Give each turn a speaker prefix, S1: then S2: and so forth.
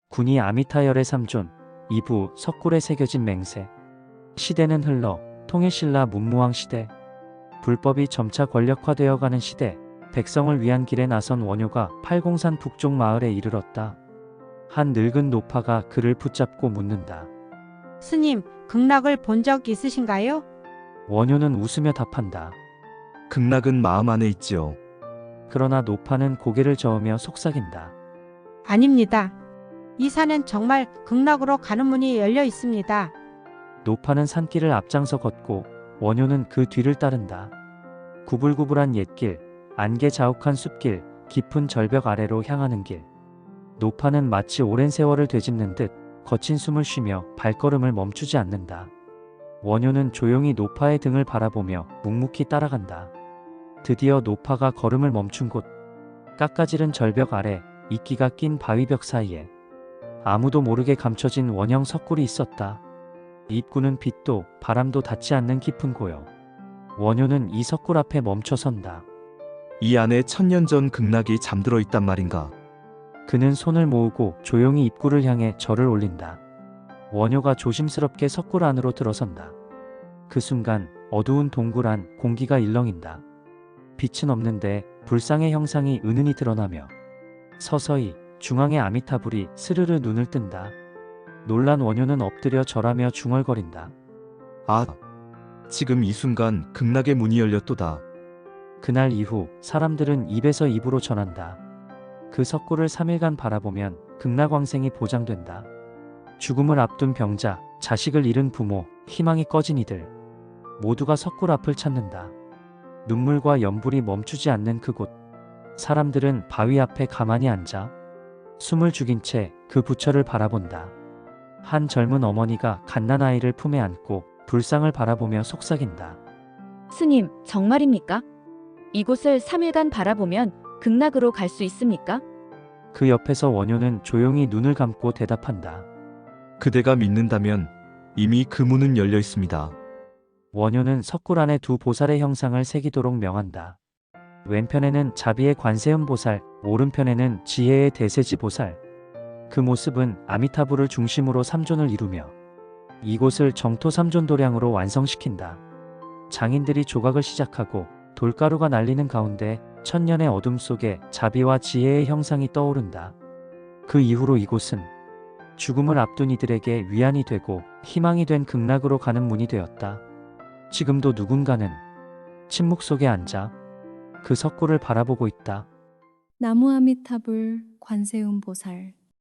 S1: 군이 아미타열의 삼존, 이부 석굴에 새겨진 맹세. 시대는 흘러 통일신라 문무왕 시대. 불법이 점차 권력화되어가는 시대. 백성을 위한 길에 나선 원효가 팔공산 북쪽 마을에 이르렀다. 한 늙은 노파가 그를 붙잡고 묻는다.
S2: 스님, 극락을 본 적 있으신가요?
S1: 원효는 웃으며 답한다.
S3: 극락은 마음 안에 있지요.
S1: 그러나 노파는 고개를 저으며 속삭인다.
S2: 아닙니다. 이 산엔 정말 극락으로 가는 문이 열려 있습니다.
S1: 노파는 산길을 앞장서 걷고 원효는 그 뒤를 따른다. 구불구불한 옛길, 안개 자욱한 숲길, 깊은 절벽 아래로 향하는 길. 노파는 마치 오랜 세월을 되짚는 듯 거친 숨을 쉬며 발걸음을 멈추지 않는다. 원효는 조용히 노파의 등을 바라보며 묵묵히 따라간다. 드디어 노파가 걸음을 멈춘 곳. 깎아지른 절벽 아래 이끼가 낀 바위벽 사이에 아무도 모르게 감춰진 원형 석굴이 있었다. 입구는 빛도 바람도 닿지 않는 깊은 고요. 원효는 이 석굴 앞에 멈춰 선다.
S3: 이 안에 천년 전 극락이 잠들어 있단 말인가?
S1: 그는 손을 모으고 조용히 입구를 향해 절을 올린다. 원효가 조심스럽게 석굴 안으로 들어선다. 그 순간 어두운 동굴 안 공기가 일렁인다. 빛은 없는데 불상의 형상이 은은히 드러나며 서서히 중앙의 아미타불이 스르르 눈을 뜬다. 놀란 원효는 엎드려 절하며 중얼거린다.
S3: 아, 지금 이 순간 극락의 문이 열렸도다.
S1: 그날 이후 사람들은 입에서 입으로 전한다. 그 석굴을 3일간 바라보면 극락왕생이 보장된다. 죽음을 앞둔 병자, 자식을 잃은 부모, 희망이 꺼진 이들 모두가 석굴 앞을 찾는다. 눈물과 연불이 멈추지 않는 그곳. 사람들은 바위 앞에 가만히 앉아 숨을 죽인 채 그 부처를 바라본다. 한 젊은 어머니가 갓난아이를 품에 안고 불상을 바라보며 속삭인다.
S4: 스님, 정말입니까? 이곳을 3일간 바라보면 극락으로 갈 수 있습니까?
S1: 그 옆에서 원효는 조용히 눈을 감고 대답한다.
S3: 그대가 믿는다면 이미 그 문은 열려 있습니다.
S1: 원효는 석굴 안에 두 보살의 형상을 새기도록 명한다. 왼편에는 자비의 관세음 보살, 오른편에는 지혜의 대세지 보살. 그 모습은 아미타불을 중심으로 삼존을 이루며 이곳을 정토 삼존 도량으로 완성시킨다. 장인들이 조각을 시작하고 돌가루가 날리는 가운데 천년의 어둠 속에 자비와 지혜의 형상이 떠오른다. 그 이후로 이곳은 죽음을 앞둔 이들에게 위안이 되고 희망이 된 극락으로 가는 문이 되었다. 지금도 누군가는 침묵 속에 앉아 그 석굴을 바라보고 있다.
S5: 나무 아미타불 관세음 보살